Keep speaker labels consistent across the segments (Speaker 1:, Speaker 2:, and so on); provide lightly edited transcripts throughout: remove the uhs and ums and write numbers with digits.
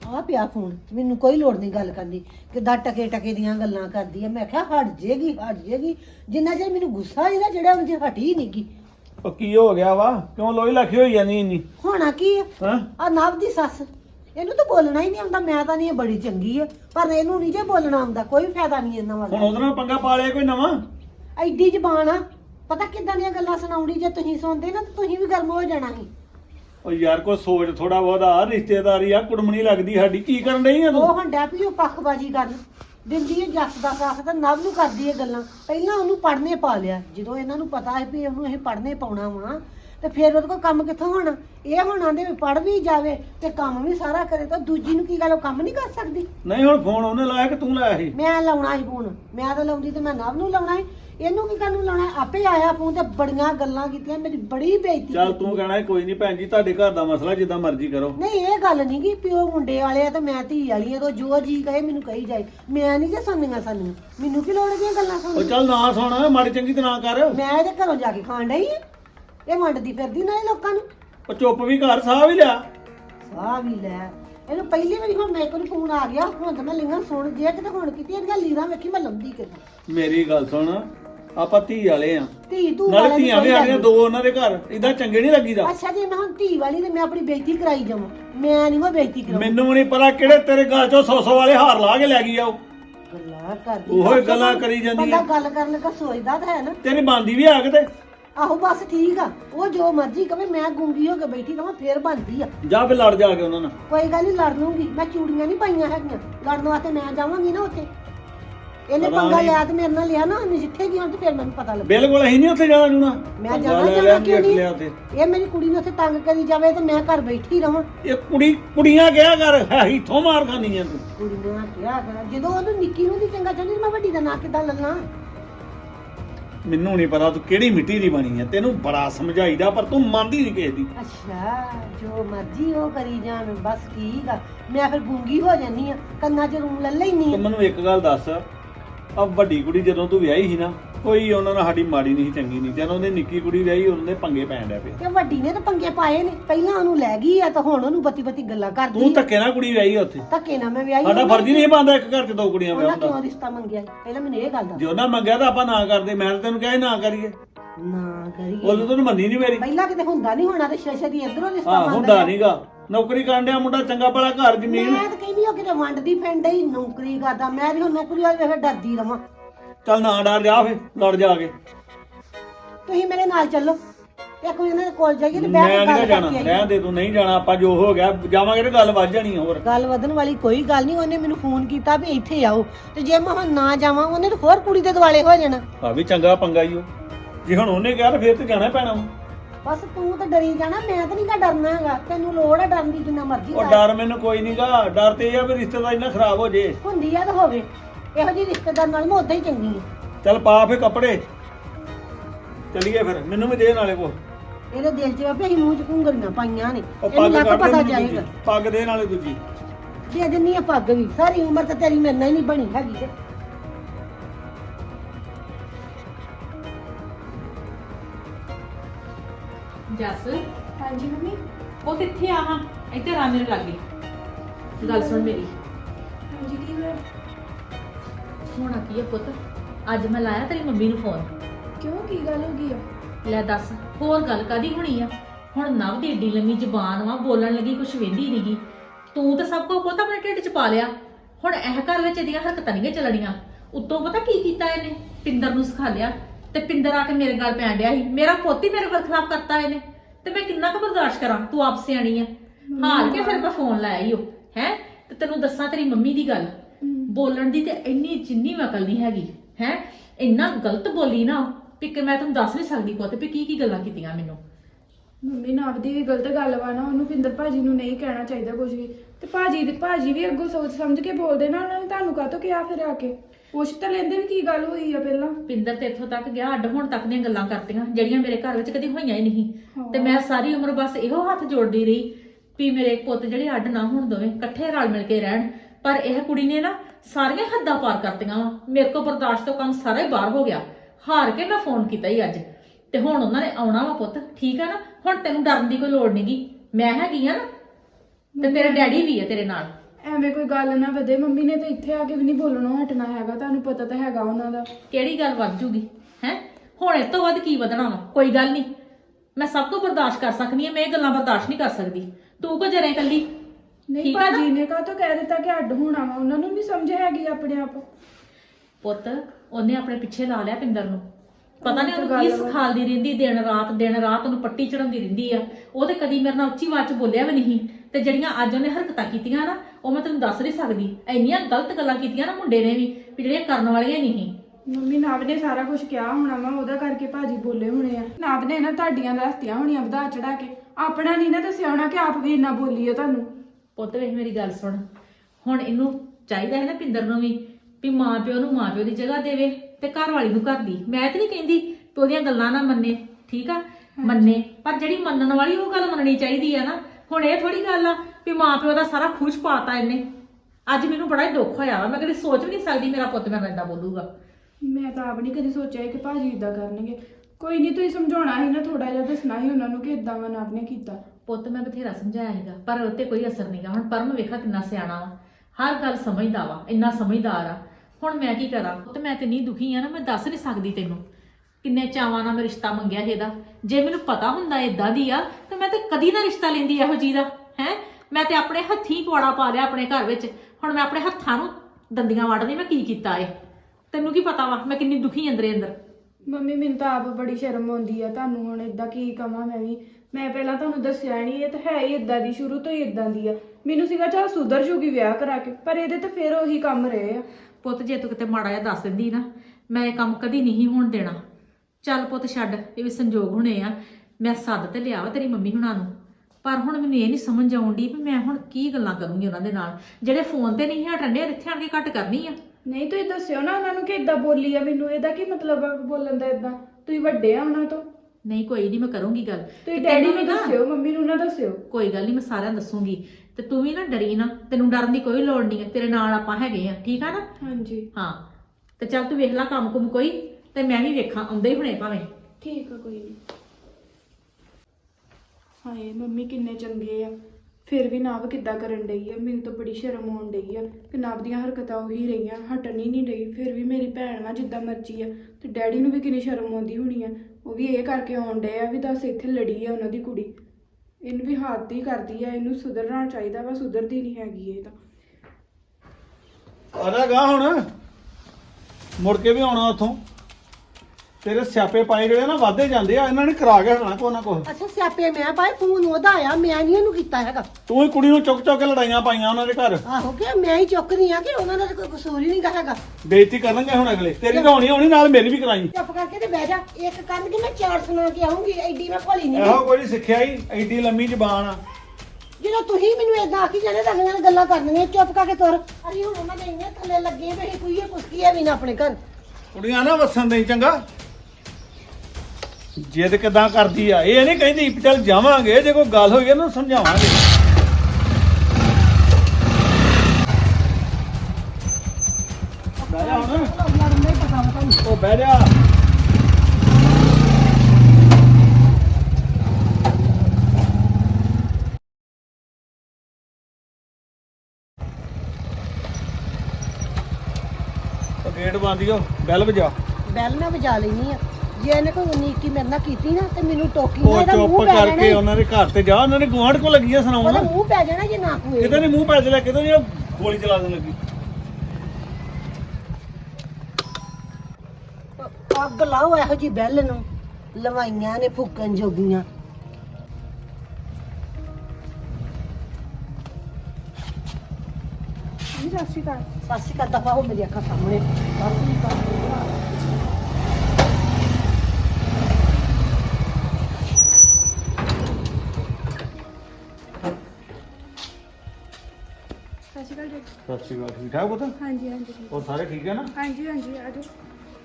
Speaker 1: ਆ ਪਿਆ ਫੋਨ, ਮੈਨੂੰ ਕੋਈ ਲੋੜ ਨਹੀਂ ਗੱਲ ਕਰਨੀ। ਕਿੱਦਾਂ ਟਕੇ ਟਕੇ ਦੀਆਂ ਗੱਲਾਂ ਕਰਦੀ ਆ। ਮੈਂ ਕਿਹਾ ਹਟ ਜੇਗੀ ਜਿੰਨਾ ਚਿਰ ਮੈਨੂੰ ਗੁੱਸਾ ਇਹਦਾ ਜਿਹੜਾ ਉਹਨਾਂ ਚਿਰ ਹਟੀ ਨਹੀਂ ਗੀ।
Speaker 2: ਉਹ ਕੀ ਹੋ ਗਿਆ ਵਾ? ਕਿਉਂ ਲੋਈ ਲੱਖੀ ਹੋਈ ਜਾਨੀ ਇੰਨੀ?
Speaker 1: ਹੋਣਾ ਕੀ ਆ?
Speaker 2: ਹਾਂ
Speaker 1: ਆ ਨਵ ਦੀ ਸੱਸ, ਇਹਨੂੰ ਤਾਂ ਬੋਲਣਾ ਹੀ ਨਹੀਂ ਆਉਂਦਾ। ਮੈਂ ਤਾਂ ਨਹੀਂ, ਇਹ ਬੜੀ ਚੰਗੀ ਆ, ਪਰ ਇਹਨੂੰ ਨਹੀਂ ਜੇ ਬੋਲਣਾ ਆਉਂਦਾ। ਕੋਈ ਫਾਇਦਾ ਨਹੀਂ ਇਹਨਾਂ
Speaker 2: ਹੁਣ
Speaker 1: ਵਾਲਾ।
Speaker 2: ਉਹਦੇ ਨਾਲ ਪੰਗਾ ਪਾ ਲਿਆ ਕੋਈ ਨਵਾਂ?
Speaker 1: ਐਡੀ ਜ਼ਬਾਨ ਆ, ਪਤਾ ਕਿੱਦਾਂ ਦੀਆਂ ਗੱਲਾਂ ਸੁਣਾਉਣੀ। ਜੇ ਤੁਸੀਂ ਸੁਣਦੇ ਨਾ ਤਾਂ ਤੁਸੀਂ ਵੀ ਗਰਮ ਹੋ ਜਾਣਾ ਸੀ।
Speaker 2: ਉਹ ਯਾਰ ਕੋਈ ਸੋਚ ਥੋੜਾ ਬਹੁਤਾ, ਰਿਸ਼ਤੇਦਾਰੀ ਆ, ਕੁੜਮਣੀ ਲੱਗਦੀ ਸਾਡੀ। ਕੀ ਕਰਨ ਡਈ ਆ ਤੂੰ?
Speaker 1: ਉਹ ਹੰਡਿਆ ਵੀ ਉਹ ਪੱਖਬਾਜੀ ਕਰਨ ਦਿੰਦੀ ਹੈ ਜੱਸ ਦਾ ਸਾਥ, ਤਾਂ ਨਵ ਨੂੰ ਕਰਦੀ ਹੈ ਗੱਲਾਂ। ਪਹਿਲਾਂ ਉਹਨੂੰ ਪੜ੍ਹਨੇ ਪਾ ਲਿਆ। ਜਦੋਂ ਇਹਨਾਂ ਨੂੰ ਪਤਾ ਹੈ ਵੀ ਉਹਨੂੰ ਇਹ ਪੜ੍ਹਨੇ ਪਾਉਣਾ ਵਾ, ਤੇ ਫਿਰ ਉਹਦੇ ਕੋਲ ਕੰਮ ਕਿੱਥੋਂ ਹੋਣਾ? ਇਹ ਹੁਣ ਆਂਦੇ ਵੀ ਪੜ੍ਹ ਵੀ ਜਾਵੇ ਤੇ ਕੰਮ ਵੀ ਸਾਰਾ ਕਰੇ, ਤਾਂ ਦੂਜੀ ਨੂੰ ਕੀ ਗੱਲ ਉਹ ਕੰਮ ਨਹੀਂ ਕਰ ਸਕਦੀ?
Speaker 2: ਨਹੀਂ ਹੁਣ ਫੋਨ ਉਹਨੇ ਲਾਇਆ ਕਿ ਤੂੰ ਲਾਇਆ ਸੀ?
Speaker 1: ਮੈਂ ਲਾਉਣਾ ਸੀ ਫੋਨ, ਮੈਂ ਤਾਂ ਲਾਉਂਦੀ ਤੇ ਮੈਂ ਨਵ ਨੂੰ ਲਾਉਣਾ ਸੀ। ਇਹਨੂੰ ਕੀ ਕਰਨ ਨੂੰ ਲਾਉਣਾ? ਆਪੇ ਆਇਆ ਫੋਨ ਤੇ ਬੜੀਆਂ ਗੱਲਾਂ ਕੀਤੀਆਂ, ਮੇਰੀ ਬੜੀ ਬੇਇੱਜ਼ਤੀ
Speaker 2: ਚੱਲ
Speaker 1: ਕੀਤੀ।
Speaker 2: ਤੂੰ ਕਹਿਣਾ ਕੋਈ ਨਹੀਂ ਭੈਣ ਜੀ, ਤੁਹਾਡੇ ਘਰ ਦਾ ਮਸਲਾ ਜਿੱਦਾਂ ਮਰਜ਼ੀ ਕਰੋ।
Speaker 1: ਨਹੀਂ ਇਹ ਗੱਲ ਨਹੀਂ ਕਿ ਪਿਓ ਮੁੰਡੇ ਵਾਲੇ ਆ ਤੇ ਮੈਂ ਧੀ ਵਾਲੀ ਆ, ਤਾਂ ਜੋ ਜੀ ਕਹੇ ਮੈਨੂੰ ਕਹੀ ਜਾਏ। ਮੈਂ ਨਹੀਂ ਜੇ ਸੁਣਨੀਆਂ ਸਾਨੂੰ, ਮੈਨੂੰ ਕੀ ਲੋੜ ਦੀਆਂ ਗੱਲਾਂ
Speaker 2: ਉਹ
Speaker 1: ਸੁਣਨ।
Speaker 2: ਚੱਲ ਨਾ ਸੁਣ, ਮਾੜੀ ਚੰਗੀ ਤੇ ਨਾ ਕਰ।
Speaker 1: ਮੈਂ ਇਹਦੇ ਘਰੋਂ ਜਾ ਕੇ ਖਾਣ ਡਈ ਆ, ਇਹ ਵੰਡਦੀ ਫਿਰਦੀ ਨਾਲੇ ਲੋਕਾਂ ਨੂੰ।
Speaker 2: ਉਹ ਚੁੱਪ ਵੀ ਘਰ ਸਾਹ ਵੀ ਲਿਆ।
Speaker 1: ਸਾਹ ਵੀ ਲੈ ਇਹਨੂੰ। ਪਹਿਲੀ ਵਾਰੀ ਹੁਣ ਮੇਰੇ ਕੋਲ ਫੋਨ ਆ ਗਿਆ, ਹੁਣ ਤਾਂ ਮੈਂ ਲਿੰਗਾ ਸੁਣ ਜੇ ਕਿਤੇ ਹੁਣ ਕੀਤੀ ਇਹਦੀਆਂ ਲੀਰਾਂ ਵੇਖੀ ਮੈਂ ਲੰਦੀ ਕਿਤੇ।
Speaker 2: ਮੇਰੀ ਗੱਲ ਸੁਣ, ਆਪਾਂ ਧੀ ਵਾਲੇ ਆ,
Speaker 1: ਧੀ ਤੂੰ
Speaker 2: ਨਾਲੇ
Speaker 1: ਵਾਲੇ
Speaker 2: ਧੀਆਂ ਵੀ ਆਣੀਆਂ ਦੋ ਉਹਨਾਂ ਦੇ ਘਰ। ਇਦਾਂ ਚੰਗੇ ਨਹੀਂ ਲੱਗੀਦਾ।
Speaker 1: ਅੱਛਾ ਜੀ, ਮੈਂ ਹੁਣ ਧੀ ਵਾਲੀ ਤੇ ਮੈਂ ਆਪਣੀ ਬੇਇੱਜ਼ਤੀ ਕਰਾਈ ਜਾਵਾਂ? ਮੈਂ ਨਹੀਂ ਮੈਂ ਬੇਇੱਜ਼ਤੀ ਕਰਾਉਂ।
Speaker 2: ਮੈਨੂੰ ਨਹੀਂ ਪਤਾ ਕਿਹੜੇ ਤੇਰੇ ਘਰ ਚੋਂ 100 ਵਾਲੇ ਹਾਰ ਲਾ ਕੇ ਲੈ ਗਈ ਆ ਉਹ।
Speaker 1: ਗੱਲਾਂ ਕਰਦੀ
Speaker 2: ਉਹੋ ਹੀ ਗੱਲਾਂ ਕਰੀ ਜਾਂਦੀ
Speaker 1: ਬੰਦਾ
Speaker 2: ਆ।
Speaker 1: ਗੱਲ ਕਰਨ ਲੱਗਾ ਸੋਚਦਾ ਤਾਂ ਹੈ ਨਾ।
Speaker 2: ਤੇਰੀ ਬਾਂਦੀ ਵੀ ਆ ਕਿਤੇ।
Speaker 1: ਆਹੋ ਬਸ ਠੀਕ ਆ, ਉਹ ਜੋ ਮਰਜ਼ੀ ਕਵੇ, ਮੈਂ ਗੂੰਗੀ ਹੋ ਕੇ ਬੈਠੀ ਰਵਾਂ ਫੇਰ ਬਣਦੀ ਆ।
Speaker 2: ਜਾ ਫੇ ਲੜ ਜਾ ਕੇ ਉਹਨਾਂ ਨਾਲ।
Speaker 1: ਕੋਈ ਗੱਲ ਨਹੀਂ, ਲੜ ਲੂੰਗੀ। ਮੈਂ ਚੂੜੀਆਂ ਨਹੀਂ ਪਾਈਆਂ ਹੈਗੀਆਂ ਲੜਨ ਵਾਸਤੇ। ਮੈਂ ਜਾਵਾਂਗੀ ਨਾ ਉੱਥੇ। ਇਹਨੇ
Speaker 2: ਪਤਾ
Speaker 1: ਪੰਗਾ
Speaker 2: ਨਹੀਂ।
Speaker 1: ਲਿਆ ਤੇ ਮੇਰੇ ਨਾਲ ਲਿਆ ਨਾ, ਮੈਂ ਜਿੱਥੇ ਗਈ ਹਾਂ ਤੇ ਫਿਰ ਮੈਨੂੰ ਪਤਾ ਲੱਗਾ।
Speaker 2: ਬਿਲਕੁਲ ਅਸੀਂ ਨਹੀਂ ਉੱਥੇ ਜਾਣਾ ਜੂਣਾ।
Speaker 1: ਮੈਂ ਜਾਣਾ ਕਿਉਂ ਨਹੀਂ? ਇਹ ਮੇਰੀ ਕੁੜੀ ਨੂੰ ਉੱਥੇ ਤੰਗ ਕਰੀ ਜਾਵੇ ਤੇ ਮੈਂ ਘਰ ਬੈਠੀ ਰਵਾਂ।
Speaker 2: ਇਹ ਕੁੜੀਆਂ ਕਿਹਾ ਕਰ, ਹੈ ਇੱਥੋਂ ਮਾਰ ਖਾਨੀ ਆ ਤੂੰ।
Speaker 1: ਕੁੜੀਆਂ ਕਿਹਾ ਕਰਾਂ, ਜਦੋਂ ਉਹਨੂੰ ਨਿੱਕੀ ਨੂੰ ਦੀ ਚੰਗਾ ਚਾਹੁੰਦੀ ਮੈਂ ਵੱਡੀ ਦਾ ਨਾਂ ਕਿੱਦਾਂ ਲੱਲਾਂ?
Speaker 2: ਮੈਨੂੰ ਨਹੀਂ ਪਤਾ ਤੂੰ ਕਿਹੜੀ ਮਿੱਟੀ ਦੀ ਬਣੀ ਆ। ਤੈਨੂੰ ਬੜਾ ਸਮਝਾਈਦਾ ਪਰ ਤੂੰ ਮੰਨਦੀ ਨਹੀਂ ਕਿਸੇ ਦੀ।
Speaker 1: ਅੱਛਾ, ਜੋ ਮਰਜ਼ੀ ਉਹ ਕਰੀ ਜਾਣ, ਬਸ ਠੀਕ ਆ। ਮੈਂ ਫਿਰ ਗੂੰਗੀ ਹੋ ਜਾਨੀ ਆ, ਕੰਨਾਂ 'ਚ ਰੂੰ ਲੈ ਲੈਣੀ
Speaker 2: ਤੂੰ ਮੈਨੂੰ ਇੱਕ ਗੱਲ ਦੱਸ, ਆ ਵੱਡੀ ਕੁੜੀ ਜਦੋਂ ਤੂੰ ਵਿਆਹੀ ਸੀ ਨਾ, ਕੋਈ ਉਹਨਾਂ ਨਾਲ ਸਾਡੀ ਮਾੜੀ ਨਹੀਂ ਚੰਗੀ ਨਹੀਂ। ਜਦੋਂ ਉਹਨੇ ਨਿੱਕੀ ਕੁੜੀ ਵਿਆਹੀ ਉਹਨਾਂ ਦੇ ਪੰਗੇ ਪੈਣ ਡਿਆ ਪਏ।
Speaker 1: ਤੇ ਵੱਡੀ ਨੇ ਤਾਂ ਪੰਗੇ ਪਾਏ ਨੇ। ਪਹਿਲਾਂ ਉਹਨੂੰ ਲੈ ਗਈ ਆ ਤਾਂ ਹੁਣ ਉਹਨੂੰ ਬੱਤੀ ਬੱਤੀ ਗੱਲਾਂ ਕਰਦੀ।
Speaker 2: ਤੂੰ ਧੱਕੇ ਨਾਲ ਕੁੜੀ ਵਿਆਹੀ ਉੱਥੇ।
Speaker 1: ਧੱਕੇ ਨਾਲ ਮੈਂ ਵਿਆਹੀ।
Speaker 2: ਸਾਡਾ ਫਰਜ਼ ਨਹੀਂ ਬਣਦਾ ਇੱਕ ਘਰ 'ਚ ਦੋ ਕੁੜੀਆਂ
Speaker 1: ਉਹਨਾਂ
Speaker 2: ਵਿਆਹਣ ਦਾ।
Speaker 1: ਕਿਉਂ ਰਿਸ਼ਤਾ ਮੰਗਿਆ? ਪਹਿਲਾਂ ਮੈਨੂੰ ਇਹ ਗੱਲ ਦੱਸ।
Speaker 2: ਜੇ ਉਹਨਾਂ ਮੰਗਿਆ ਤਾਂ ਆਪਾਂ ਨਾ ਕਰਦੇ। ਮੈਂ ਤਾਂ ਤੈਨੂੰ ਕਿਹਾ ਸੀ ਨਾ ਕਰੀਏ।
Speaker 1: ਨਾ ਕਰੀਏ।
Speaker 2: ਉਦੋਂ ਤੈਨੂੰ ਮੰਨੀ ਨਹੀਂ ਮੇਰੀ।
Speaker 1: ਪਹਿਲਾਂ ਕਿਤੇ ਹੁੰਦਾ ਨਹੀਂ ਹੋਣਾ ਤੇ ਸ਼ਸ਼ੇ ਦੀ ਇਧਰੋਂ ਰਿਸ਼ਤਾ
Speaker 2: ਹਾਂ
Speaker 1: ਮੰਗਦਾ।
Speaker 2: ਹੁੰਦਾ ਨਹੀਂਗਾ। ਨੌਕਰੀ ਕਰਨ ਡਿਆ ਮੁੰਡਾ, ਚੰਗਾ ਭਲਾ ਘਰ ਜ਼ਮੀਨ।
Speaker 1: ਮੈਂ ਤਾਂ ਕਹਿੰਦੀ ਉਹ ਕਿਤੇ ਵੰਡਦੀ ਫਿਰਦਾ ਹੀ ਨੌਕਰੀ ਕਰਦਾ। ਮੈਂ ਵੀ ਹੁਣ ਨੌਕਰੀ ਵਾਲੇ ਵੇਖ ਡਰਦੀ ਰਵਾਂ।
Speaker 2: ਚੱਲ ਨਾ ਡਰ ਜਾ, ਫੇ ਲੜ ਜਾ ਕੇ।
Speaker 1: ਤੁਸੀਂ ਮੇਰੇ ਨਾਲ ਚੱਲੋ, ਇੱਕ ਵਾਰ ਇਹਨਾਂ ਦੇ ਕੋਲ ਜਾਈਏ ਤੇ ਬਹਿ
Speaker 2: ਮੈਂ
Speaker 1: ਕੇ
Speaker 2: ਨਹੀਂ
Speaker 1: ਗੱਲ
Speaker 2: ਜਾਣਾ,
Speaker 1: ਕਰਕੇ ਆਈਏ।
Speaker 2: ਰਹਿਣ ਦੇ ਤੂੰ। ਨਹੀਂ ਜਾਣਾ ਆਪਾਂ, ਜੋ ਹੋ ਗਿਆ ਜਾਵਾਂਗੇ ਤੇ ਗੱਲ ਵੱਧ ਜਾਣੀ ਹੋਰ।
Speaker 1: ਗੱਲ ਵਧਣ ਵਾਲੀ ਕੋਈ ਗੱਲ ਨਹੀਂ। ਉਹਨੇ ਮੈਨੂੰ ਫੋਨ ਕੀਤਾ ਵੀ ਇੱਥੇ ਆਓ, ਤੇ ਜੇ ਮੈਂ ਹੁਣ ਨਾ ਜਾਵਾਂ ਉਹਨੇ ਤਾਂ ਹੋਰ ਕੁੜੀ ਦੇ ਦੁਆਲੇ ਹੋ ਜਾਣਾ।
Speaker 2: ਆ ਵੀ ਚੰਗਾ ਪੰਗਾ ਹੀ ਉਹ। ਜੇ ਹੁਣ ਉਹਨੇ ਕਿਹਾ ਤਾਂ ਫੇਰ ਤੇ ਜਾਣਾ ਪੈਣਾ ਵਾ।
Speaker 1: ਬਸ ਤੂੰ ਤਾਂ ਡਰੀ ਜਾਣਾ, ਮੈਂ ਤਾਂ ਨਹੀਂ ਕਾ ਡਰਨਾ ਹੈਗਾ। ਤੈਨੂੰ ਲੋੜ ਹੈ ਡਰਨ ਦੀ, ਜਿੰਨਾ ਮਰਜ਼ੀ
Speaker 2: ਉਹ ਡਰ ਮੈਨੂੰ ਕੋਈ ਨਹੀਂਗਾ। ਡਰ ਤੇ ਇਹ ਆ ਵੀ ਰਿਸ਼ਤੇਦਾਰੀ ਨਾ ਖਰਾਬ ਹੋ ਜੇ।
Speaker 1: ਹੁੰਦੀ ਆ ਤਾਂ ਹੋਵੇ। ਇਹੋ ਜਿਹੀ ਰਿਸ਼ਤੇਦਾਰ ਨਾਲ ਮੈਂ ਉਦਾਂ ਹੀ ਚੰਗੀ ਆ।
Speaker 2: ਚੱਲ ਪਾ ਫੇ ਕੱਪੜੇ, ਚੱਲੀਏ ਫਿਰ। ਮੈਨੂੰ ਵੀ ਦੇ ਨਾਲੇ ਕੋ।
Speaker 1: ਇਹਦੇ ਦਿਲ 'ਚ ਵੀ ਅਸੀਂ ਮੂੰਹ 'ਚ ਘੁੰਗਰੀਆਂ ਪਾਈਆਂ ਨੇ,
Speaker 2: ਉਹ
Speaker 1: ਇਹਨੂੰ
Speaker 2: ਪੱਗ
Speaker 1: ਲੱਗ
Speaker 2: ਕੱਢ
Speaker 1: ਪਤਾ
Speaker 2: ਦੇ
Speaker 1: ਜਾਏਗਾ।
Speaker 2: ਦੂਜੀ, ਪੱਗ ਦੇ ਨਾਲੇ ਦੂਜੀ।
Speaker 1: ਦੇ ਦਿੰਨੀ ਆ ਪੱਗ ਵੀ। ਸਾਰੀ ਉਮਰ ਤਾਂ ਤੇਰੀ ਮੇਰੇ ਨਾਲ ਹੀ ਨਹੀਂ ਬਣੀ ਹੈਗੀ ਤੇ।
Speaker 3: ਜੱਸ,
Speaker 4: ਹਾਂਜੀ ਮੰਮੀ।
Speaker 3: ਉਹ ਕਿੱਥੇ ਆ? ਹਾਂ ਇੱਧਰ ਆ ਮੇਰੇ ਲਾਗੇ। ਗੱਲ ਸੁਣ ਮੇਰੀ।
Speaker 4: ਹਾਂਜੀ ਕੀ ਹੋਇਆ?
Speaker 3: ਹੋਣਾ ਕੀ ਆ ਪੁੱਤ, ਅੱਜ ਮੈਂ ਲਾਇਆ ਤੇਰੀ ਮੰਮੀ ਨੂੰ ਫੋਨ।
Speaker 4: ਕਿਉਂ, ਕੀ ਗੱਲ ਹੋ ਗਈ ਆ?
Speaker 3: ਲੈ ਦੱਸ, ਹੋਰ ਗੱਲ ਕਾਦੀ ਹੋਣੀ ਆ? ਹੁਣ ਨਵ ਦੀ ਏਡੀ ਲੰਮੀ ਜ਼ਬਾਨ ਵਾ, ਬੋਲਣ ਲੱਗੀ ਕੁਛ ਵੇਂਦੀ ਨਹੀਂਗੀ। ਤੂੰ ਤਾਂ ਸਭ ਕੁਝ ਪੁੱਤ ਆਪਣੇ ਢਿੱਡ 'ਚ ਪਾ ਲਿਆ। ਹੁਣ ਇਹ ਘਰ ਵਿੱਚ ਇਹਦੀਆਂ ਹਰਕਤਾਂ ਨਹੀਂ ਚੱਲਣੀਆਂ। ਉੱਤੋਂ ਪਤਾ ਕੀ ਕੀਤਾ ਇਹਨੇ? ਪਿੰਦਰ ਨੂੰ ਸਿਖਾ ਲਿਆ, ਤੇ ਪਿੰਦਰ ਆ ਕੇ ਮੇਰੇ ਗੱਲ ਪੈਣ ਡਿਆ ਸੀ। ਮੇਰਾ ਪੁੱਤ ਹੀ ਮੇਰੇ ਕੋਲ ਖਿਲਾਫ ਕਰਤਾ ਇਹਨੇ, ਤੇ ਮੈਂ ਕਿੰਨਾ ਕੁ ਬਰਦਾਸ਼ਤ ਕਰਾਂ? ਤੂੰ ਆਪ ਸਿਆਣੀ ਆ। ਹਾਰ ਕੇ ਫਿਰ ਮੈਂ ਫੋਨ ਲਾਇਆ ਹੀ ਉਹ ਹੈ। ਤੇ ਤੈਨੂੰ ਦੱਸਾਂ ਤੇਰੀ ਮੰਮੀ ਦੀ ਗੱਲ, ਬੋਲਣ ਦੀ ਤੇ ਇੰਨੀ ਜਿੰਨੀ ਅਕਲ ਨਹੀਂ ਹੈਗੀ ਹੈ। ਇੰਨਾ ਗਲਤ ਬੋਲੀ ਨਾ ਵੀ ਕਿ ਮੈਂ ਤੁਹਾਨੂੰ ਦੱਸ ਨਹੀਂ ਸਕਦੀ ਪੁੱਤ ਵੀ ਕੀ ਗੱਲਾਂ ਕੀਤੀਆਂ ਮੈਨੂੰ।
Speaker 4: ਮੰਮੀ ਨਾਬ ਦੀ ਵੀ ਗਲਤ ਗੱਲ ਵਾ ਨਾ। ਉਹਨੂੰ ਪਿੰਦਰ ਭਾਜੀ ਨੂੰ ਨਹੀਂ ਕਹਿਣਾ ਚਾਹੀਦਾ ਕੁਝ ਵੀ। ਤੇ ਭਾਜੀ ਵੀ ਅੱਗੋਂ ਸੋਚ ਸਮਝ ਕੇ ਬੋਲਦੇ ਨਾ। ਉਹਨਾਂ ਨੇ ਤੁਹਾਨੂੰ ਕਾਹਤੋਂ ਕਿਹਾ? ਫਿਰ ਆ ਕੇ ਪੁੱਛ ਤਾਂ ਲੈਂਦੇ ਵੀ ਕੀ ਗੱਲ ਹੋਈ ਆ ਪਹਿਲਾਂ।
Speaker 3: ਪਿੰਦਰ ਤੇ ਇੱਥੋਂ ਤੱਕ ਗਿਆ, ਅੱਡ ਹੋਣ ਤੱਕ ਦੀਆਂ ਗੱਲਾਂ ਕਰਤੀਆਂ ਜਿਹੜੀਆਂ ਮੇਰੇ ਘਰ ਵਿੱਚ ਕਦੀ ਹੋਈਆਂ ਹੀ ਨਹੀਂ। ਤੇ ਮੈਂ ਸਾਰੀ ਉਮਰ ਬਸ ਇਹੋ ਹੱਥ ਜੋੜਦੀ ਰਹੀ ਵੀ ਮੇਰੇ ਪੁੱਤ ਜਿਹੜੇ ਅੱਡ ਨਾ ਹੋਣ, ਦੋਵੇਂ ਇਕੱਠੇ ਰਲ ਮਿਲ ਕੇ ਰਹਿਣ। ਪਰ ਇਹ ਕੁੜੀ ਨੇ ਨਾ ਸਾਰੀਆਂ ਹੱਦਾਂ ਪਾਰ ਕਰਤੀਆਂ ਵਾ। ਮੇਰੇ ਕੋਲ ਬਰਦਾਸ਼ਤ ਤੋਂ ਕੰਮ ਸਾਰਾ ਹੀ ਬਾਹਰ ਹੋ ਗਿਆ। ਹਾਰ ਕੇ ਮੈਂ ਫੋਨ ਕੀਤਾ ਹੀ ਅੱਜ, ਤੇ ਹੁਣ ਉਹਨਾਂ ਨੇ ਆਉਣਾ ਵਾ ਪੁੱਤ, ਠੀਕ ਆ ਨਾ? ਹੁਣ ਤੈਨੂੰ ਡਰਨ ਦੀ ਕੋਈ ਲੋੜ ਨਹੀਂਗੀ। ਮੈਂ ਹੈਗੀ ਆ ਨਾ, ਤੇ ਤੇਰੇ ਡੈਡੀ ਵੀ ਆ ਤੇਰੇ ਨਾਲ।
Speaker 4: ਐਵੇਂ ਕੋਈ ਗੱਲ ਨਾ ਵਧੇ। ਮੰਮੀ ਨੇ ਤਾਂ ਇੱਥੇ ਆ ਕੇ ਵੀ ਨਹੀਂ ਬੋਲਣੋਂ ਹਟਣਾ ਹੈਗਾ, ਤੁਹਾਨੂੰ ਪਤਾ ਤਾਂ ਹੈਗਾ ਉਹਨਾਂ ਦਾ।
Speaker 3: ਕਿਹੜੀ ਗੱਲ ਵੱਧ ਜੂਗੀ ਹੈ? ਹੁਣ ਇਸ ਤੋਂ ਵੱਧ ਕੀ ਵਧਣਾ ਵਾ? ਕੋਈ ਗੱਲ ਨਹੀਂ, ਮੈਂ ਸਭ ਕੁਝ ਬਰਦਾਸ਼ਤ ਕਰ ਸਕਦੀ ਹਾਂ, ਮੈਂ ਇਹ ਗੱਲਾਂ ਬਰਦਾਸ਼ਤ ਨਹੀਂ ਕਰ ਸਕਦੀ। ਤੂੰ ਕੋ ਜਰੇ ਕੱਲੀ
Speaker 4: ਨਹੀਂ
Speaker 3: ਠੀਕ ਆ ਨਾ?
Speaker 4: ਭਾਜੀ ਨੇ ਕਾਹਤੋਂ ਕਹਿ ਦਿੱਤਾ ਕਿ ਅੱਡ ਹੋਣਾ ਵਾ? ਉਹਨਾਂ ਨੂੰ ਵੀ ਸਮਝ ਹੈਗੀ ਆਪਣੇ ਆਪ।
Speaker 3: ਪੁੱਤ ਉਹਨੇ ਆਪਣੇ ਪਿੱਛੇ ਲਾ ਲਿਆ ਪਿੰਦਰ ਨੂੰ, ਪਤਾ ਨਹੀਂ
Speaker 4: ਉਹ ਤਾਂ
Speaker 3: ਉਹਨੂੰ ਕੀ
Speaker 4: ਗੱਲ ਵਾ।
Speaker 3: ਸਿਖਾਲਦੀ ਰਹਿੰਦੀ, ਦਿਨ ਰਾਤ ਉਹਨੂੰ ਪੱਟੀ ਚੜਾਉਂਦੀ ਰਹਿੰਦੀ ਆ। ਉਹ ਤੇ ਕਦੀ ਮੇਰੇ ਨਾਲ ਉੱਚੀ ਆਵਾਜ਼ 'ਚ ਬੋਲਿਆ ਵੀ ਨਹੀਂ, ਤੇ ਜਿਹੜੀਆਂ ਅੱਜ ਉਹਨੇ ਹਰਕਤਾਂ ਕੀਤੀਆਂ ਨਾ, ਉਹ ਮੈਂ ਤੈਨੂੰ ਦੱਸ ਨਹੀਂ ਸਕਦੀ। ਇੰਨੀਆਂ ਗਲਤ ਗੱਲਾਂ ਕੀਤੀਆਂ ਨਾ ਮੁੰਡੇ ਨੇ ਵੀ ਜਿਹੜੀਆਂ ਕਰਨ ਵਾਲੀਆਂ ਨਹੀਂ।
Speaker 4: ਮੰਮੀ ਨਾਬ ਨੇ ਸਾਰਾ ਕੁਝ ਕਿਹਾ ਹੋਣਾ ਵਾ, ਉਹਦਾ ਕਰਕੇ ਭਾਜੀ ਬੋਲੇ ਹੋਣੇ ਆ। ਨਾਬ ਨੇ ਨਾ ਤੁਹਾਡੀਆਂ ਦੱਸਤੀਆਂ ਹੋਣੀਆਂ ਵਧਾ ਚੜਾ ਕੇ, ਆਪਣਾ ਨਹੀਂ ਨਾ ਦੱਸਿਆ ਹੋਣਾ ਕਿ ਆਪ ਵੀ ਇੰਨਾ ਬੋਲੀ ਆ ਤੁਹਾਨੂੰ।
Speaker 3: ਪੁੱਤ ਵੇਖ ਮੇਰੀ ਗੱਲ ਸੁਣ, ਹੁਣ ਇਹਨੂੰ ਚਾਹੀਦਾ ਹੈ ਨਾ ਪਿੰਦਰ ਨੂੰ ਵੀ ਮਾਂ ਪਿਓ ਨੂੰ ਮਾਂ ਪਿਓ ਦੀ ਜਗ੍ਹਾ ਦੇਵੇ ਤੇ ਘਰ ਵਾਲੀ ਨੂੰ ਘਰ ਦੀ। ਮੈਂ ਤੇ ਨਹੀਂ ਕਹਿੰਦੀ ਕਿ ਉਹਦੀਆਂ ਗੱਲਾਂ ਨਾ ਮੰਨੇ, ਠੀਕ ਆ, ਮੰਨੇ, ਪਰ ਜਿਹੜੀ ਮੰਨਣ ਵਾਲੀ ਉਹ ਗੱਲ ਮੰਨਣੀ ਚਾਹੀਦੀ ਆ ਨਾ। ਹੁਣ ਇਹ ਥੋੜੀ ਗੱਲ ਆ ਵੀ ਮਾਂ ਪਿਓ ਦਾ ਸਾਰਾ ਖੁਸ਼ ਪਾਤਾ ਇਹਨੇ। ਅੱਜ ਮੈਨੂੰ ਬੜਾ ਹੀ ਦੁੱਖ ਹੋਇਆ ਵਾ, ਮੈਂ ਕਦੇ ਸੋਚ ਵੀ ਨਹੀਂ ਸਕਦੀ ਮੇਰਾ ਪੁੱਤ ਮੇਰੇ ਨਾਲ ਏਦਾਂ ਬੋਲੂਗਾ।
Speaker 4: ਮੈਂ ਤਾਂ ਆਪ ਨਹੀਂ ਕਦੀ ਸੋਚਿਆ ਕਿ ਭਾਜੀ ਇਦਾਂ ਕਰਨਗੇ। ਕੋਈ ਨਹੀਂ, ਤੁਸੀਂ ਸਮਝਾਉਣਾ ਸੀ ਨਾ, ਥੋੜਾ ਜਿਹਾ ਦੱਸਣਾ ਸੀ ਉਹਨਾਂ ਨੂੰ ਕਿ ਇਦਾਂ ਵਾ ਨਾਬ ਨੇ ਕੀਤਾ।
Speaker 3: ਪੁੱਤ ਮੈਂ ਬਥੇਰਾ ਸਮਝਾਇਆ ਸੀਗਾ, ਪਰ ਉਹ ਤੇ ਕੋਈ ਅਸਰ ਨਹੀਂਗਾ। ਹੁਣ ਪਰਮ ਵੇਖਾ ਕਿੰਨਾ ਸਿਆਣਾ ਵਾ, ਹਰ ਗੱਲ ਸਮਝਦਾ ਵਾ, ਇੰਨਾ ਸਮਝਦਾਰ ਆ। ਹੁਣ ਮੈਂ ਕੀ ਕਰਾਂ? ਤੇ ਮੈਂ ਤੇ ਨਹੀਂ ਦੁਖੀ ਆ ਨਾ, ਮੈਂ ਦੱਸ ਨਹੀਂ ਸਕਦੀ ਤੈਨੂੰ ਕਿੰਨੇ ਚਾਵਾਂ ਨਾਲ ਮੈਂ ਰਿਸ਼ਤਾ ਮੰਗਿਆ ਇਹਦਾ। ਜੇ ਮੈਨੂੰ ਪਤਾ ਹੁੰਦਾ ਇਦਾਂ ਦੀ ਆ ਤੇ ਮੈਂ ਤੇ ਕਦੀ ਨਾ ਰਿਸ਼ਤਾ ਲੈਂਦੀ ਇਹੋ ਜੀ ਦਾ ਹੈ। ਮੈਂ ਤੇ ਆਪਣੇ ਹੱਥੀਂ ਪੌੜਾ ਪਾ ਲਿਆ ਆਪਣੇ ਘਰ ਵਿੱਚ। ਹੁਣ ਮੈਂ ਆਪਣੇ ਹੱਥਾਂ ਨੂੰ ਦੰਦੀਆਂ ਵੱਢਦੀ, ਮੈਂ ਕੀ ਕੀਤਾ ਏ? ਤੈਨੂੰ ਕੀ ਪਤਾ ਵਾ ਮੈਂ ਕਿੰਨੀ ਦੁਖੀ ਅੰਦਰੇ ਅੰਦਰ।
Speaker 4: ਮੰਮੀ ਮੈਨੂੰ ਤਾਂ ਆਪ ਬੜੀ ਸ਼ਰਮ ਆਉਂਦੀ ਆ, ਤੁਹਾਨੂੰ ਹੁਣ ਇਦਾਂ ਕੀ ਕਵਾਂ ਮੈਂ ਵੀ। ਮੈਂ ਪਹਿਲਾਂ ਤੁਹਾਨੂੰ ਦੱਸਿਆ ਨਹੀਂ, ਇਹ ਤਾਂ ਹੈ ਹੀ ਇਦਾਂ ਦੀ, ਸ਼ੁਰੂ ਤੋਂ ਹੀ ਇਦਾਂ ਦੀ ਆ। ਮੈਨੂੰ ਸੀਗਾ ਚੱਲ ਸੁਧਰ ਜੂਗੀ ਵਿਆਹ ਕਰਾ ਕੇ, ਪਰ ਇਹਦੇ ਤਾਂ ਫੇਰ ਉਹੀ ਕੰਮ ਰਹੇ ਆ।
Speaker 3: ਪੁੱਤ ਜੇ ਤੂੰ ਕਿਤੇ ਮਾੜਾ ਜਿਹਾ ਦੱਸ ਦਿੰਦੀ ਨਾ, ਮੈਂ ਇਹ ਕੰਮ ਕਦੀ ਨਹੀਂ ਹੋਣ ਦੇਣਾ। ਚੱਲ ਪੁੱਤ ਛੱਡ, ਇਹ ਵੀ ਸੰਜੋਗ ਹੋਣੇ ਆ। ਮੈਂ ਸੱਦ ਤੇ ਲਿਆ ਵਾ ਤੇਰੀ ਮੰਮੀ ਹੁਣਾਂ ਨੂੰ, ਪਰ ਹੁਣ ਮੈਨੂੰ ਇਹ ਨਹੀਂ ਸਮਝ ਆਉਂਦੀ ਵੀ ਮੈਂ ਹੁਣ ਕੀ ਗੱਲਾਂ ਕਰੂੰਗੀ ਉਹਨਾਂ ਦੇ ਨਾਲ। ਜਿਹੜੇ ਫੋਨ ਤੇ ਨਹੀਂ ਹਟਣ ਦੇ, ਇੱਥੇ ਆਣ ਕੇ ਘੱਟ ਕਰਨੀ ਆ।
Speaker 4: ਨਹੀਂ ਤੁਸੀਂ ਦੱਸਿਓ ਨਾ ਉਹਨਾਂ ਨੂੰ ਕਿ ਇਦਾਂ ਬੋਲੀ ਆ ਮੈਨੂੰ। ਇਹਦਾ ਕੀ ਮਤਲਬ ਆ ਬੋਲਣ ਦਾ ਇਦਾਂ? ਤੁਸੀਂ ਵੱਡੇ ਆ ਉਹਨਾਂ ਤੋਂ।
Speaker 3: ਨਹੀਂ ਕੋਈ ਨਹੀਂ, ਮੈਂ ਕਰੂੰਗੀ ਗੱਲ।
Speaker 4: ਤੁਸੀਂ
Speaker 3: ਤੇ
Speaker 4: ਡੈਡੀ
Speaker 3: ਤੈਨੂੰ
Speaker 4: ਨੂੰ
Speaker 3: ਵੀ ਨਾ-
Speaker 4: ਦੱਸਿਓ, ਮੰਮੀ ਨੂੰ ਨਾ ਦੱਸਿਓ।
Speaker 3: ਕੋਈ ਗੱਲ ਨਹੀਂ, ਮੈਂ ਸਾਰਿਆਂ ਨੂੰ ਦੱਸੂਗੀ। ਤੇ ਤੂੰ ਵੀ ਨਾ ਡਰੀ ਨਾ, ਤੈਨੂੰ ਡਰਨ ਦੀ ਕੋਈ ਲੋੜ ਨਹੀਂ ਹੈ, ਤੇਰੇ ਨਾਲ ਆਪਾਂ ਹੈਗੇ ਆ, ਠੀਕ ਆ ਨਾ?
Speaker 4: ਹਾਂਜੀ
Speaker 3: ਹਾਂ, ਤੇ ਚੱਲ ਤੂੰ ਵੇਖ ਲੈ ਕੰਮ ਕੁਮ ਕੋਈ, ਤੇ ਮੈਂ ਵੀ ਵੇਖਾਂ, ਆਉਂਦੇ ਹੀ ਹੁਣੇ ਭਾਵੇਂ।
Speaker 4: ਠੀਕ ਆ, ਕੋਈ ਨਹੀਂ। ਹਾਏ ਮੰਮੀ ਕਿੰਨੇ ਚੰਗੇ ਆ, ਫਿਰ ਵੀ ਨਾਬ ਕਿੱਦਾਂ ਕਰਨ ਡਈ ਆ। ਮੈਨੂੰ ਤਾਂ ਬੜੀ ਸ਼ਰਮ ਆਉਣ ਡਈ ਆ ਕਿ ਨਾਬ ਦੀਆਂ ਹਰਕਤਾਂ ਉਹੀ ਰਹੀਆਂ, ਹਟਣ ਹੀ ਨਹੀਂ ਰਹੀ। ਫਿਰ ਵੀ ਮੇਰੀ ਭੈਣ ਵਾ, ਜਿੱਦਾਂ ਮਰਜ਼ੀ ਆ। ਤੇ ਡੈਡੀ ਨੂੰ ਵੀ ਕਿੰਨੀ ਸ਼ਰਮ ਆਉਂਦੀ ਹੋਣੀ ਆ, ਉਹ ਵੀ ਇਹ ਕਰਕੇ ਆਉਣ ਡਏ ਆ ਵੀ ਦੱਸ ਇੱਥੇ ਲੜੀ ਆ ਉਹਨਾਂ ਦੀ ਕੁੜੀ। ਇਹਨੂੰ ਵੀ ਹੱਦ ਹੀ ਕਰਦੀ ਆ, ਇਹਨੂੰ ਸੁਧਰਨਾ ਚਾਹੀਦਾ ਵਾ, ਸੁਧਰਦੀ ਨਹੀਂ ਹੈਗੀ ਇਹ ਤਾਂ।
Speaker 2: ਆਦਾ ਗਾ ਹੁਣ ਮੁੜ ਕੇ ਵੀ ਆਉਣਾ ਉੱਥੋਂ। ਤੇਰੇ ਸਿਆਪੇ ਪਾਏ ਜਿਹੜੇ ਨਾ ਵਾਧੇ ਜਾਂਦੇ ਆ, ਇਹਨਾਂ ਨੇ ਕਰਾ ਕੇ ਹਟਣਾ ਕੋ ਨਾ ਕੋ।
Speaker 1: ਅੱਛਾ ਸਿਆਪੇ ਮੈਂ ਪਾਏ, ਫੋਨ ਉਹਦਾ ਆਇਆ, ਮੈਂ ਨਹੀਂ ਉਹਨੂੰ ਕੀਤਾ ਹੈਗਾ।
Speaker 2: ਤੂੰ ਹੀ ਕੁੜੀ ਨੂੰ ਚੁੱਕ ਚੁੱਕ ਕੇ ਲੜਾਈਆਂ ਪਾਈਆਂ ਉਹਨਾਂ ਦੇ ਘਰ।
Speaker 1: ਆਹੋ ਕਿ ਮੈਂ ਹੀ ਚੁੱਕਦੀ ਆ ਕਿ ਉਹਨਾਂ ਦਾ ਤਾਂ ਕੋਈ ਕਸੂਰ ਹੀ ਨਹੀਂ ਹੈਗਾ।
Speaker 2: ਬੇਇੱਜ਼ਤੀ ਕਰਨਗੇ ਹੁਣ ਅਗਲੇ। ਤੇਰੀ ਤਾਂ ਹੋਣੀ ਨਾਲ ਮੇਰੀ ਵੀ ਕਰਾਈ।
Speaker 1: ਚੁੱਪ ਕਰਕੇ ਤੇ ਬਹਿ ਜਾ, ਇੱਕ ਕੰਨ ਕਿ ਮੈਂ ਚਾਰ ਸੁਣਾ ਕੇ ਆਉਂਗੀ, ਐਡੀ ਮੈਂ ਭੋਲੀ ਨਹੀਂ।
Speaker 2: ਇਹੋ ਕੋਈ ਸਿੱਖਿਆ ਹੀ, ਐਡੀ ਲੰਮੀ ਜ਼ਬਾਨ ਆ।
Speaker 1: ਜਦੋਂ ਤੁਸੀਂ ਮੈਨੂੰ ਏਦਾਂ ਆਖੀ ਜਾਂਦੇ ਤਾਂ ਅਗਲੀਆਂ ਗੱਲਾਂ ਕਰਨੀਆਂ, ਚੁੱਪ ਕਰਕੇ ਤੁਰ। ਅਰੇ ਹੁਣ ਉਹਨਾਂ ਦੇ ਇੰਨੇ ਥੱਲੇ ਲੱਗੇ ਵੀ ਕੋਈ ਕੁਸਕੀਆ ਵੀ ਨਾ ਆਪਣੇ ਘਰ।
Speaker 2: ਕੁੜੀਆਂ ਨਾ ਵਸਣ ਦੇ ਚੰਗਾ। ਜਿੱਦ ਕਿਦਾਂ ਕਰਦੀ ਆ, ਇਹ ਨਹੀਂ ਕਹਿੰਦੀ ਵੀ ਚੱਲ ਜਾਵਾਂਗੇ, ਜੇ ਕੋਈ ਗੱਲ ਹੋਈ ਨਾ ਸਮਝਾਵਾਂਗੇ। ਬਹਿ ਜਾ ਹੁਣ, ਉਹ ਬਹਿ ਜਾ। ਗੇਟ ਬੰਦ ਓ, ਬੈਲ ਵਜਾ।
Speaker 1: ਬੈਲ ਮੈਂ ਵਜਾ ਲੈਣੀ ਆ। ਜੇ ਇਹਨੇ ਕੋਈ ਉਨੀਕੀ ਮੇਰੇ ਨਾਲ ਕੀਤੀ ਨਾ ਤੇ ਮੈਨੂੰ ਟੋਕੀ ਨਾ,
Speaker 2: ਉਹ
Speaker 1: ਇਹਦਾ
Speaker 2: ਚੁੱਪ
Speaker 1: ਮੂੰਹ ਪੈ ਜਾਣਾ
Speaker 2: ਕਰਕੇ ਉਹਨਾਂ ਦੇ ਘਰ ਤੇ ਜਾ, ਉਹਨਾਂ ਨੇ ਗੁਆਂਢ ਕੋ ਲੱਗੀਆਂ ਸੁਣਾਉਣਾ।
Speaker 1: ਉਹਦਾ ਮੂੰਹ ਪੈ ਜਾਣਾ ਜੇ ਨਾ ਹੋਏ।
Speaker 2: ਕਿਤੇ ਨਹੀਂ ਮੂੰਹ ਪੈ ਚਲਾ, ਕਿਤੇ ਨਹੀਂ ਗੋਲੀ ਚਲਾ ਦੇਣ ਲੱਗੀ।
Speaker 1: ਅੱਗ ਲਾਓ ਇਹੋ ਜੀ ਬੈਲ ਨੂੰ, ਲਵਾਈਆਂ ਨੇ ਫੁੱਕਣ ਜੋਗੀਆਂ।
Speaker 4: ਸਤਿ ਸ਼੍ਰੀ ਅਕਾਲ।
Speaker 1: ਸਤਿ ਸ਼੍ਰੀ ਅਕਾਲ, ਦਫਾ ਹੋ ਮੇਰੀ ਅੱਖਾਂ ਸਾਹਮਣੇ। ਸਤਿ ਸ਼੍ਰੀ ਅਕਾਲ।
Speaker 4: ਸਤਿ ਸ਼੍ਰੀ ਅਕਾਲ ਜੀ।
Speaker 2: ਸਤਿ ਸ਼੍ਰੀ ਅਕਾਲ। ਠੀਕ ਠਾਕ ਪੁੱਤ?
Speaker 4: ਹਾਂਜੀ ਹਾਂਜੀ ਠੀਕ।
Speaker 2: ਹੋਰ ਸਾਰੇ ਠੀਕ ਹੈ ਨਾ?
Speaker 4: ਹਾਂਜੀ ਹਾਂਜੀ ਆ ਜਾਓ।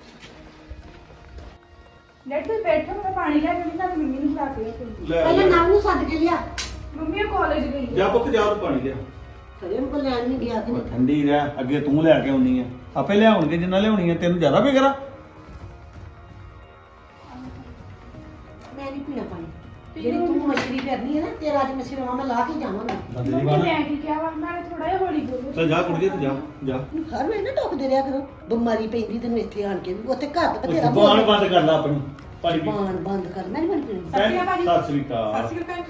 Speaker 4: ਲੈ ਤੂੰ ਬੈਠੋ, ਮੈਂ ਪਾਣੀ ਲੈ ਕੇ ਤਾਂ ਮੰਮੀ ਨੂੰ ਖਾ ਕੇ
Speaker 1: ਪਹਿਲਾਂ ਨਾਮ ਨੂੰ ਸੱਦ ਕੇ ਲਿਆ।
Speaker 4: ਮੰਮੀ ਉਹ ਕਾਲਜ ਗਈ ਹੈ।
Speaker 2: ਜਾ ਪੁੱਤ ਜਾ, ਤੂੰ ਪਾਣੀ ਲਿਆ।
Speaker 1: ਕਦੇ ਨੂੰ ਲੈਣ ਨਹੀਂ ਗਿਆ ਕਿ
Speaker 2: ਉਹ ਠੰਡੀ ਰਹਿ, ਅੱਗੇ ਤੂੰ ਲੈ ਕੇ ਆਉਣੀ ਆ, ਆਪੇ ਲਿਆਉਣਗੇ ਜਿੰਨਾ ਲਿਆਉਣੀ ਆ। ਤੈਨੂੰ ਜ਼ਿਆਦਾ ਫਿਕਰ ਆ?
Speaker 1: ਮੈਂ ਨਹੀਂ ਪੀਣਾ ਪਾਣੀ। ਜਿਹੜੀ ਤੂੰ ਮਛਰੀ ਕਰਨੀ ਹੈ ਨਾ ਤੇਰਾ ਅੱਜ ਮਛਰਵਾ ਮੈਂ ਲਾ ਕੇ ਜਾਵਾਂਗੀ।
Speaker 2: ਬੰਦੇ ਦੀ
Speaker 4: ਮੰਮੀ
Speaker 2: ਬਾਤ
Speaker 4: ਮੈਂ ਕੀ ਕਿਹਾ ਵਾ ਮੈਂ ਥੋੜਾ ਜਿਹਾ ਹੌਲੀ ਬੋਲੂ।
Speaker 2: ਚੱਲ ਜਾ ਕੁੜੀਏ ਤੂੰ ਜਾ ਜਾ
Speaker 1: ਹਰ ਵੇਲੇ ਨਾ ਟੋਕਦੇ ਰਿਹਾ ਕਰੋ, ਬਿਮਾਰੀ ਪੈਂਦੀ ਤੈਨੂੰ ਇੱਥੇ ਆਣ ਕੇ ਉੱਥੇ ਘਰ ਤੇ ਬਥੇਰਾ
Speaker 2: ਜ਼ੁਬਾਨ ਬੰਦ ਕਰ ਲੈ ਆਪਣੀ ਭਾਜੀ ਦੀ।
Speaker 1: ਜ਼ੁਬਾਨ ਬੰਦ ਕਰ, ਮੈਂ ਨਹੀਂ ਬਣੀ
Speaker 4: ਸਤਿ ਸ਼੍ਰੀ ਅਕਾਲ ਭਾਜੀ।
Speaker 2: ਸਤਿ ਸ੍ਰੀ ਅਕਾਲ।
Speaker 4: ਸਤਿ ਸ਼੍ਰੀ ਅਕਾਲ।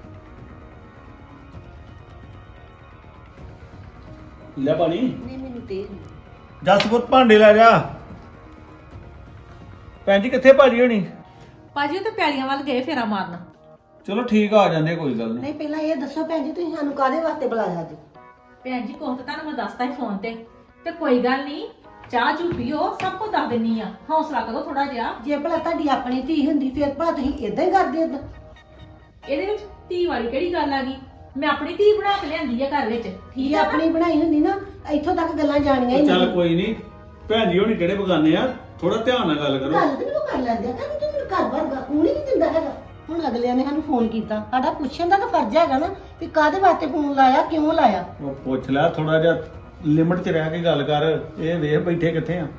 Speaker 2: ਲੈ ਪਾਣੀ
Speaker 1: ਨਹੀਂ ਮੈਨੂੰ ਤੇ
Speaker 2: ਜਸਪੁਰ ਭਾਂਡੇ ਲੈ ਜਾ। ਭੈਣ ਜੀ ਕਿੱਥੇ ਭਾਜੀ ਹੋਣੀ?
Speaker 3: ਭਾਜੀ ਉਹ ਤੇ ਪੈਲੀਆਂ ਵੱਲ ਗਏ ਫੇਰਾ ਮਾਰਨ।
Speaker 2: ਚਲੋ ਠੀਕ ਆ ਜਾਂਦੇ ਕੋਈ ਗੱਲ ਨਹੀਂ।
Speaker 1: ਨਹੀਂ ਪਹਿਲਾਂ ਇਹ ਦੱਸੋ ਭੈਣ ਜੀ ਤੁਸੀਂ ਸਾਨੂੰ ਕਾਹਦੇ ਵਾਸਤੇ ਬੁਲਾਇਆ ਅੱਜ?
Speaker 3: ਭੈਣ ਜੀ ਕੋਹ ਤਾਂ ਤੁਹਾਨੂੰ ਮੈਂ ਦੱਸਤਾ ਹੀ ਫੋਨ ਤੇ ਕੋਈ ਗੱਲ ਨਹੀਂ, ਚਾਹ ਚੂ ਪੀਓ, ਸਭ ਕੁਝ ਦੱਸ ਦਿੰਨੀ ਆ, ਹੌਸਲਾ ਕਰੋ ਥੋੜਾ ਜਿਹਾ।
Speaker 1: ਜੇ ਭਲਾ ਤੁਹਾਡੀ ਆਪਣੀ ਧੀ ਹੁੰਦੀ ਫਿਰ ਭਲਾ ਤੁਸੀਂ ਇਦਾਂ ਹੀ ਕਰਦੇ ਏਦਾਂ?
Speaker 3: ਇਹਦੇ ਵਿੱਚ ਧੀ ਵਾਲੀ ਕਿਹੜੀ ਗੱਲ ਆ ਗਈ? ਮੈਂ ਆਪਣੀ ਧੀ ਬਣਾ ਕੇ ਲਿਆਂਦੀ ਆ ਘਰ ਵਿੱਚ,
Speaker 1: ਜੇ
Speaker 3: ਠੀਕ ਆ ਨਾ?
Speaker 1: ਆਪਣੀ ਬਣਾਈ ਹੁੰਦੀ ਨਾ ਇੱਥੋਂ ਤੱਕ ਗੱਲਾਂ ਜਾਣੀਆਂ ਹੀ
Speaker 2: ਚੱਲ
Speaker 1: ਨਹੀਂ।
Speaker 2: ਕੋਈ ਨਹੀਂ, ਭੈਣ ਜੀ ਹੋਣੀ ਕਿਹੜੇ ਬਗਾਨੇ ਆ, ਥੋੜਾ ਧਿਆਨ ਨਾਲ ਗੱਲ ਕਰੋ।
Speaker 1: ਗੱਲ ਤੇ ਮੈਨੂੰ ਕਰ ਲੈਂਦੇ ਆ ਕਹਿੰਦੇ ਤੂੰ ਮੈਨੂੰ ਘਰ ਬਾਰ ਕੂਣ ਹੀ ਨਹੀਂ ਦਿੰਦਾ ਹੈਗਾ। ਹੁਣ ਅਗਲਿਆਂ ਨੇ ਸਾਨੂੰ ਫੋਨ ਕੀਤਾ, ਸਾਡਾ ਪੁੱਛਣ ਦਾ ਤਾਂ ਫਰਜ਼ ਹੈਗਾ ਨਾ ਵੀ ਕਾਹਦੇ ਵਾਸਤੇ ਫੋਨ ਲਾਇਆ, ਕਿਉਂ ਲਾਇਆ।
Speaker 2: ਉਹ ਪੁੱਛ ਲੈ, ਥੋੜਾ ਜਿਹਾ ਲਿਮਟ 'ਚ ਰਹਿ ਕੇ ਗੱਲ ਕਰ। ਇਹ ਵੇਖ ਬੈਠੇ ਕਿੱਥੇ ਆ।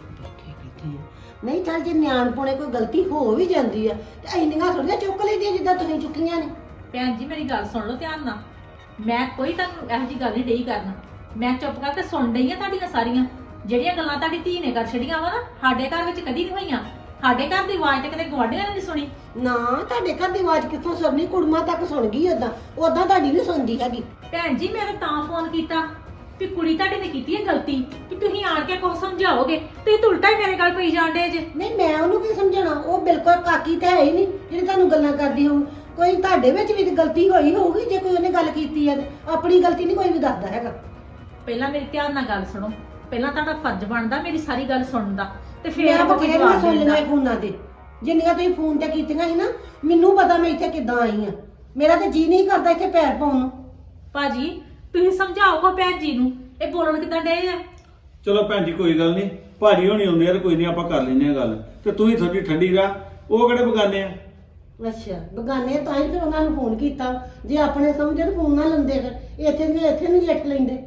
Speaker 1: ਨਹੀਂ ਚੱਲ ਜੇ ਨਿਆਣਪੁਣੇ ਕੋਈ ਗਲਤੀ ਹੋ ਵੀ ਜਾਂਦੀ ਆ ਤੇ ਇੰਨੀਆਂ ਥੋੜੀਆਂ ਚੁੱਕ ਲੈਂਦੀਆਂ ਜਿੱਦਾਂ ਤੁਸੀਂ ਚੁੱਕੀਆਂ ਨੇ।
Speaker 3: ਭੈਣ ਜੀ ਮੇਰੀ ਗੱਲ ਸੁਣ ਲਓ ਧਿਆਨ ਨਾਲ, ਮੈਂ ਕੋਈ ਤੁਹਾਨੂੰ ਇਹੋ ਜਿਹੀ ਗੱਲ ਨਹੀਂ ਡਈ ਕਰਨਾ। ਮੈਂ ਚੁੱਪ ਕਰਕੇ ਸੁਣ ਡਈ ਆ ਤੁਹਾਡੀਆਂ ਸਾਰੀਆਂ ਜਿਹੜੀਆਂ ਗੱਲਾਂ ਤੁਹਾਡੀ ਧੀ ਨੇ ਕਰ ਛੜੀਆਂ ਵਾ ਨਾ, ਸਾਡੇ ਘਰ ਵਿੱਚ ਕਦੀ ਨਹੀਂ ਹੋਈਆਂ। ਸਾਡੇ ਘਰ ਦੀ ਆਵਾਜ਼ ਤੇ ਕਦੇ ਗਵਾਂਢੀਆਂ ਨੇ ਨਹੀਂ ਸੁਣੀ।
Speaker 1: ਨਾ ਤੁਹਾਡੇ ਘਰ ਦੀ ਆਵਾਜ਼ ਕਿੱਥੋਂ ਸੁਣਨੀ, ਕੁੜਮਾ ਤੱਕ ਸੁਣ ਗਈ ਉਦਾਂ ਤੁਹਾਡੀ ਨਹੀਂ ਸੁਣਦੀ ਹੈਗੀ।
Speaker 3: ਭੈਣ ਜੀ ਮੈਂ ਤਾਂ ਫੋਨ ਕੀਤਾ ਵੀ ਕੁੜੀ ਤੁਹਾਡੀ ਨੇ ਕੀਤੀ ਹੈ ਗਲਤੀ, ਵੀ ਤੁਸੀਂ ਆਣ ਕੇ ਕੁਝ ਸਮਝਾਓਗੇ, ਤੁਸੀਂ ਤਾਂ ਉਲਟਾ ਹੀ ਮੇਰੇ ਗੱਲ ਪਈ ਜਾਂਦੇ ਜੇ।
Speaker 1: ਨਹੀਂ ਮੈਂ ਉਹਨੂੰ ਕੀ ਸਮਝਾਉਣਾ, ਉਹ ਬਿਲਕੁਲ ਕਾਕੀ ਤਾਂ ਹੈ ਹੀ ਨਹੀਂ ਜਿਹੜੀ ਤੁਹਾਨੂੰ ਗੱਲਾਂ ਕਰਦੀ ਹੋਊ। ਕੋਈ ਤੁਹਾਡੇ ਵਿੱਚ ਵੀ ਤਾਂ ਗਲਤੀ ਹੋਈ ਹੋਊਗੀ ਜੇ ਕੋਈ ਉਹਨੇ ਗੱਲ ਕੀਤੀ ਹੈ। ਆਪਣੀ ਗਲਤੀ ਨਹੀਂ ਕੋਈ ਵੀ ਦੱਸਦਾ ਹੈਗਾ।
Speaker 3: ਪਹਿਲਾਂ ਮੇਰੀ ਧਿਆਨ ਨਾਲ ਗੱਲ ਸੁਣੋ, ਪਹਿਲਾਂ ਤੁਹਾਡਾ ਫਰਜ਼ ਬਣਦਾ ਮੇਰੀ ਸਾਰੀ ਗੱਲ ਸੁਣਨ ਦਾ, ਤੇ ਫਿਰ
Speaker 1: ਮੈਂ
Speaker 3: ਆਪਾਂ ਕੋਈ
Speaker 1: ਬਥੇਰੀਆਂ
Speaker 3: ਜਵਾਬ
Speaker 1: ਸੁਣ
Speaker 3: ਦੇਣ ਦਾ।
Speaker 1: ਲਈਆਂ ਫੋਨਾਂ ਤੇ, ਜਿੰਨੀਆਂ ਤੁਸੀਂ ਫੋਨ ਤੇ ਕੀਤੀਆਂ ਸੀ ਨਾ, ਮੈਨੂੰ ਪਤਾ ਮੈਂ ਇੱਥੇ ਕਿੱਦਾਂ ਆਈ ਆ। ਮੇਰਾ ਤਾਂ ਜੀ ਨਹੀਂ ਕਰਦਾ ਇੱਥੇ ਪੈਰ ਪਾਉਣ ਨੂੰ।
Speaker 3: ਭਾਜੀ ਤੁਸੀਂ ਸਮਝਾਓ ਕੋ ਭੈਣ ਜੀ ਨੂੰ, ਇਹ ਬੋਲਣ ਕਿਦਾਂ ਡੇ ਆ?
Speaker 2: ਚਲੋ ਭੈਣ ਜੀ ਕੋਈ ਗੱਲ ਨਹੀਂ, ਭਾਜੀ ਹੋਣੀ ਆਉਂਦੇ ਆ ਤੇ ਕੋਈ ਨਹੀਂ, ਆਪਾਂ ਕਰ ਲੈਨੇ ਆ ਗੱਲ। ਤੇ ਤੂੰ ਹੀ ਥੋੜੀ ਠੰਡੀ ਰਹਿ, ਉਹ ਕਿਹੜੇ ਬਗਾਨੇ ਆ।
Speaker 1: ਅੱਛਾ ਬਗਾਨੇ ਤਾਂ ਹੀ ਫਿਰ ਉਹਨਾਂ ਨੂੰ ਫੋਨ ਕੀਤਾ। ਜੇ ਆਪਣੇ ਸਮਝੇ ਤਾਂ ਫੋਨ ਨਾ ਲੰਦੇ ਫਿਰ ਇੱਥੇ ਨਹੀਂ ਲਿਖ ਲੈਂਦੇ।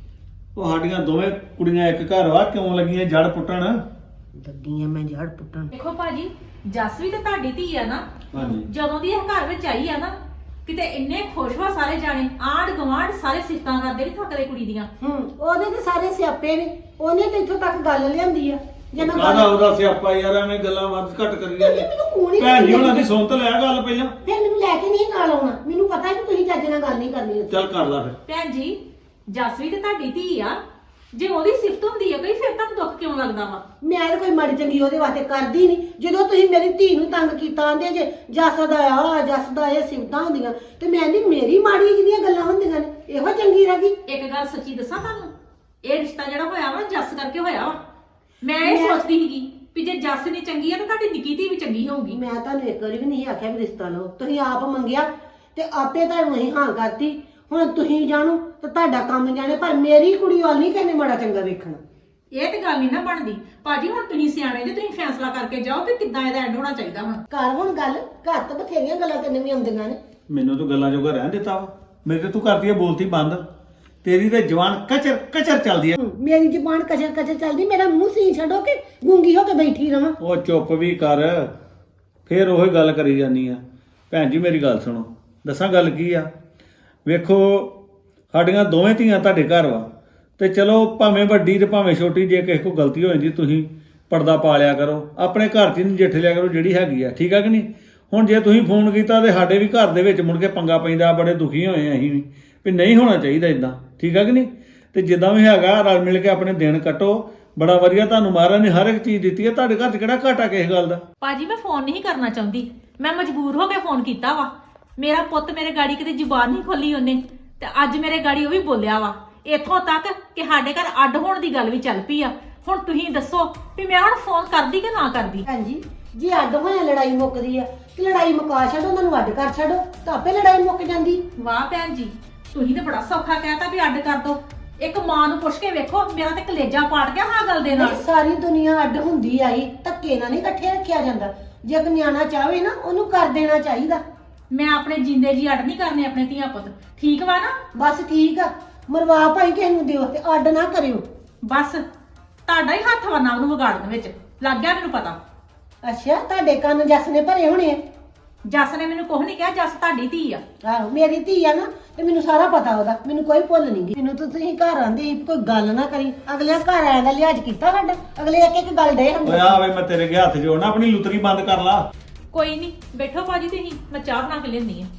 Speaker 2: ਉਹ ਸਾਡੀਆਂ ਦੋਵੇਂ ਕੁੜੀਆਂ ਇੱਕ ਘਰ ਵਾ, ਕਿਉਂ ਲੱਗੀਆਂ ਜੜ ਪੁੱਟਣ।
Speaker 1: ਲੱਗੀਆਂ ਮੈਂ ਜੜ ਪੁੱਟਣ।
Speaker 3: ਦੇਖੋ ਭਾਜੀ ਜੱਸ ਵੀ ਤੇ ਤੁਹਾਡੀ ਧੀ ਆ ਨਾ,
Speaker 2: ਹਾਂਜੀ
Speaker 3: ਜਦੋਂ ਦੀ ਇਹ ਘਰ ਵਿੱਚ ਆਈ ਆ ਨਾ, ਕਿਤੇ ਇੰਨੇ ਖੁਸ਼ ਵਾ ਸਾਰੇ ਜਾਣੇ, ਆਂਢ ਗਵਾਂਢ ਸਾਰੇ ਸਿਫਤਾਂ ਕਰਦੇ ਨਹੀਂ ਥੱਕਦੇ ਕੁੜੀ ਦੀਆਂ।
Speaker 1: ਉਹਦੇ ਤੇ ਸਾਰੇ ਸਿਆਪੇ ਨੇ, ਉਹਨੇ ਤੇ ਇੱਥੋਂ ਤੱਕ ਗੱਲ ਲਿਆਂਦੀ ਆ। ਜੇ ਮੈਂ
Speaker 2: ਕਾਹਦਾ ਉਹਦਾ ਸਿਆਪਾ ਯਾਰ, ਐਵੇਂ ਗੱਲਾਂ ਵੱਧ ਘੱਟ ਕਰੀ ਜਾਂਦੇ।
Speaker 1: ਮੈਨੂੰ ਫੋਨ ਹੀ
Speaker 2: ਭੈਣ ਜੀ ਉਹਨਾਂ ਦੀ ਸੁਣ ਤਾਂ ਲੈ ਗੱਲ ਪਹਿਲਾਂ।
Speaker 1: ਫਿਰ ਮੈਨੂੰ ਲੈ ਕੇ ਨਹੀਂ ਨਾਲ ਆਉਣਾ, ਮੈਨੂੰ ਪਤਾ ਕਿ ਤੁਸੀਂ ਚੱਜ ਨਾਲ ਗੱਲ ਨਹੀਂ ਕਰਨੀ ਉੱਥੇ।
Speaker 2: ਚੱਲ ਕਰ ਲਾ ਫਿਰ।
Speaker 3: ਭੈਣ ਜੀ ਜੱਸ ਵੀ ਤੇ ਤੁਹਾਡੀ ਧੀ ਆ, ਜੇ ਉਹਦੀ ਸਿਫਤ ਹੁੰਦੀ ਆ ਕੋਈ, ਫਿਰ ਤੁਹਾਨੂੰ ਦੁੱਖ ਕਿਉਂ ਲੱਗਦਾ ਵਾ?
Speaker 1: ਮੈਂ ਤਾਂ ਕੋਈ ਮਾੜੀ ਚੰਗੀ ਉਹਦੇ ਵਾਸਤੇ ਕਰਦੀ ਨਹੀਂ। ਜਦੋਂ ਤੁਸੀਂ ਮੇਰੀ ਧੀ ਨੂੰ ਤੰਗ ਕੀਤਾ ਆਂਦੇ ਜੇ ਜੱਸ ਦਾ ਆ ਜੱਸ ਦਾ ਇਹ ਸਿਫਤਾਂ ਹੁੰਦੀਆਂ, ਤੇ ਮੈਂ ਨਹੀਂ ਮੇਰੀ ਮਾੜੀ ਜਿਹੜੀਆਂ ਗੱਲਾਂ ਹੁੰਦੀਆਂ ਨੇ ਇਹੋ ਚੰਗੀ ਰਹਿ ਗਈ।
Speaker 3: ਇੱਕ ਗੱਲ ਸੱਚੀ ਦੱਸਾਂ ਤੁਹਾਨੂੰ, ਇਹ ਰਿਸ਼ਤਾ ਜਿਹੜਾ ਹੋਇਆ ਵਾ ਜੱਸ ਕਰਕੇ ਹੋਇਆ ਵਾ। ਮੈਂ ਇਹ ਸੋਚਦੀ ਸੀਗੀ ਵੀ ਜੇ ਜੱਸ ਨਹੀਂ ਚੰਗੀ ਆ ਤਾਂ ਤੁਹਾਡੀ ਨਿੱਕੀ ਧੀ ਵੀ ਚੰਗੀ ਹੋਊਗੀ।
Speaker 1: ਮੈਂ ਤੁਹਾਨੂੰ ਇੱਕ ਵਾਰੀ ਵੀ ਨਹੀਂ ਆਖਿਆ ਵੀ ਰਿਸ਼ਤਾ ਲਓ, ਤੁਸੀਂ ਆਪ ਮੰਗਿਆ ਤੇ ਆਪੇ ਤੁਹਾਨੂੰ ਅਸੀਂ ਹਾਂ ਕਰਤੀ। ਹੁਣ ਤੁਸੀਂ ਜਾਣੋ ਤੇ ਤੁਹਾਡਾ ਕੰਮ ਜਾਣੇ, ਪਰ ਮੇਰੀ ਕੁੜੀ ਵੱਲ ਨਹੀਂ ਕਹਿੰਦੇ ਮਾੜਾ ਚੰਗਾ ਵੇਖਣਾ।
Speaker 3: ਇਹ ਤੇ ਗੱਲ ਨਹੀਂ ਨਾ ਬਣਦੀ ਭਾਜੀ। ਹੁਣ ਤੁਸੀਂ ਸਿਆਣੇ ਜੇ, ਤੁਸੀਂ ਫੈਸਲਾ ਕਰਕੇ ਜਾਓ ਵੀ ਕਿੱਦਾਂ ਇਹਦਾ ਐਂਡ ਹੋਣਾ ਚਾਹੀਦਾ। ਹੁਣ
Speaker 1: ਘਰ ਹੁਣ ਗੱਲ ਘਰ ਤਾਂ ਬਥੇਰੀਆਂ ਗੱਲਾਂ ਤੈਨੂੰ ਵੀ ਆਉਂਦੀਆਂ ਨੇ।
Speaker 2: ਮੈਨੂੰ ਤੂੰ ਗੱਲਾਂ ਜੋਗਾ ਰਹਿਣ ਦਿੱਤਾ ਵਾ, ਮੇਰੇ ਤੇ ਤੂੰ ਕਰਦੀ ਹੈ ਬੋਲਤੀ ਬੰਦ। ਤੇਰੀ ਤੇ ਜਵਾਨ ਕਚਰ ਕਚਰ ਚੱਲਦੀ ਹੈ।
Speaker 1: ਮੇਰੀ ਜ਼ੁਬਾਨ ਕਚਰ ਕਚਰ ਚੱਲਦੀ, ਮੇਰਾ ਮੂੰਹ ਸੀ ਛੱਡੋ ਕਿ ਗੂੰਗੀ ਹੋ ਕੇ ਬੈਠੀ ਰਵਾਂ।
Speaker 2: ਉਹ ਚੁੱਪ ਵੀ ਕਰ, ਫੇਰ ਉਹੀ ਗੱਲ ਕਰੀ ਜਾਂਦੀ ਆ। ਭੈਣ ਜੀ ਮੇਰੀ ਗੱਲ ਸੁਣੋ, ਦੱਸਾਂ ਗੱਲ ਕੀ ਆ। ਵੇਖੋ ਸਾਡੀਆਂ ਦੋਵੇਂ ਧੀਆਂ ਤੁਹਾਡੇ ਘਰ ਵਾ, ਤੇ ਚਲੋ ਭਾਵੇਂ ਵੱਡੀ ਤੇ ਭਾਵੇਂ ਛੋਟੀ, ਜੇ ਕਿਸੇ ਕੋਲ ਗਲਤੀ ਹੋ ਜਾਂਦੀ ਤੁਸੀਂ ਪਰਦਾ ਪਾ ਲਿਆ ਕਰੋ, ਆਪਣੇ ਘਰ 'ਚ ਨਜਿੱਠ ਲਿਆ ਕਰੋ ਜਿਹੜੀ ਹੈਗੀ ਆ, ਠੀਕ ਆ ਕਿ ਨਹੀਂ। ਹੁਣ ਜੇ ਤੁਸੀਂ ਫੋਨ ਕੀਤਾ ਤੇ ਸਾਡੇ ਵੀ ਘਰ ਦੇ ਵਿੱਚ ਮੁੜ ਕੇ ਪੰਗਾ ਪੈਂਦਾ, ਬੜੇ ਦੁਖੀ ਹੋਏ ਆ ਅਸੀਂ ਵੀ ਨਹੀਂ ਹੋਣਾ ਚਾਹੀਦਾ ਇਦਾਂ, ਠੀਕ ਆ ਕਿ ਨਹੀਂ। ਤੇ ਜਿੱਦਾਂ ਵੀ ਹੈਗਾ ਰਲ ਮਿਲ ਕੇ ਆਪਣੇ ਦਿਨ ਕੱਟੋ। ਬੜਾ ਵਧੀਆ ਤੁਹਾਨੂੰ ਮਹਾਰਾਜ ਨੇ ਹਰ ਇੱਕ ਚੀਜ਼ ਦਿੱਤੀ ਹੈ, ਤੁਹਾਡੇ ਘਰ 'ਚ ਕਿਹੜਾ ਘਾਟਾ ਕਿਸੇ ਗੱਲ ਦਾ।
Speaker 3: ਭਾਜੀ ਮੈਂ ਫੋਨ ਨਹੀਂ ਕਰਨਾ ਚਾਹੁੰਦੀ, ਮੈਂ ਮਜਬੂਰ ਹੋ ਕੇ ਫੋਨ ਕੀਤਾ ਵਾ। ਮੇਰਾ ਪੁੱਤ ਮੇਰੇ ਗਾੜੀ ਕਿਤੇ ਜ਼ੁਬਾਨ ਨਹੀਂ ਖੋਲੀ ਉਹਨੇ, ਤੇ ਅੱਜ ਮੇਰੇ ਗਾੜੀ ਉਹ ਵੀ ਬੋਲਿਆ ਵਾ, ਇੱਥੋਂ ਤੱਕ ਕਿ ਸਾਡੇ ਘਰ ਅੱਡ ਹੋਣ ਦੀ ਗੱਲ ਵੀ ਚੱਲ ਪਈ ਆ। ਹੁਣ ਤੁਸੀਂ ਦੱਸੋ ਵੀ ਮੈਂ ਹੁਣ ਫੋਨ ਕਰਦੀ ਕਿ ਨਾ ਕਰਦੀ?
Speaker 1: ਹਾਂਜੀ ਜੇ ਅੱਡ ਹੋਇਆ ਲੜਾਈ ਮੁੱਕਦੀ ਆ ਤੇ ਲੜਾਈ ਮੁਕਾ ਛੱਡੋ, ਉਹਨਾਂ ਨੂੰ ਅੱਡ ਕਰ ਛੱਡੋ ਤਾਂ ਆਪੇ ਲੜਾਈ ਮੁੱਕ ਜਾਂਦੀ।
Speaker 3: ਵਾਹ ਭੈਣ ਜੀ, ਤੁਸੀਂ ਤੇ ਬੜਾ ਸੌਖਾ ਕਹਿਤਾ ਵੀ ਅੱਡ ਕਰ ਦੋ। ਇੱਕ ਮਾਂ ਨੂੰ ਪੁੱਛ ਕੇ ਵੇਖੋ, ਮੇਰਾ ਤੇ ਕਲੇਜਾ ਪਾਟ ਗਿਆ ਹਾਂ ਗੱਲ ਦੇ ਨਾਲ।
Speaker 1: ਨਹੀਂ, ਸਾਰੀ ਦੁਨੀਆ ਅੱਡ ਹੁੰਦੀ ਆਈ, ਧੱਕੇ ਨਾਲ ਨਹੀਂ ਇਕੱਠੇ ਰੱਖਿਆ ਜਾਂਦਾ। ਜੇ ਕੋਈ ਨਿਆਣਾ ਚਾਹਵੇ ਨਾ ਉਹਨੂੰ ਕਰ ਦੇਣਾ ਚਾਹੀਦਾ।
Speaker 3: ਮੈਂ ਆਪਣੇ ਜਿੰਦੇ ਜੀ ਅੱਡ ਨਹੀਂ ਕਰਨੇ ਆਪਣੇ ਧੀਆਂ ਪੁੱਤ, ਠੀਕ ਵਾ ਨਾ?
Speaker 1: ਬਸ ਠੀਕ ਆ, ਮਰਵਾ ਭਾਈ ਕਿਸੇ ਨੂੰ ਦਿਓ ਤੇ ਅੱਡ ਨਾ ਕਰਿਓ।
Speaker 3: ਬਸ ਤੁਹਾਡਾ ਹੀ ਹੱਥ ਵਾ ਨਾ ਉਹਨੂੰ ਵਿਗਾੜਨ ਵਿੱਚ, ਲੱਗ ਗਿਆ ਮੈਨੂੰ ਪਤਾ।
Speaker 1: ਅੱਛਾ ਤੁਹਾਡੇ ਕੰਨ ਜੱਸ ਨੇ ਭਰੇ ਹੋਣੇ ਆ।
Speaker 3: ਜੱਸ ਨੇ ਮੈਨੂੰ ਕੁਝ ਨਹੀਂ ਕਿਹਾ, ਜੱਸ ਤੁਹਾਡੀ ਧੀ ਆ।
Speaker 1: ਆਹੋ ਮੇਰੀ ਧੀ ਆ ਨਾ, ਤੇ ਮੈਨੂੰ ਸਾਰਾ ਪਤਾ ਉਹਦਾ, ਮੈਨੂੰ ਕੋਈ ਭੁੱਲ ਨਹੀਂ ਗਈ। ਮੈਨੂੰ ਤਾਂ ਤੁਸੀਂ ਘਰ ਆਂਦੇ ਸੀ ਕੋਈ ਗੱਲ ਨਾ ਕਰੀ, ਅਗਲੇ ਘਰ ਆਇਆ ਦਾ ਲਿਹਾਜ਼ ਕੀਤਾ ਸਾਡਾ, ਅਗਲੇ ਇੱਕ ਇੱਕ ਗੱਲ ਡੇ
Speaker 2: ਓਏ
Speaker 1: ਹੁੰਦੇ।
Speaker 2: ਆ ਵੇ ਮੈਂ ਤੇਰੇ ਅੱਗੇ ਹੱਥ ਜੋੜਨਾ, ਆਪਣੀ ਲੁਤਰੀ ਬੰਦ ਕਰ ਲਾ।
Speaker 3: ਕੋਈ ਨਹੀਂ, ਬੈਠੋ ਭਾਜੀ ਤੁਸੀਂ, ਮੈਂ ਚਾਹ ਬਣਾ ਕੇ ਲਿਆਉਂਦੀ ਆ।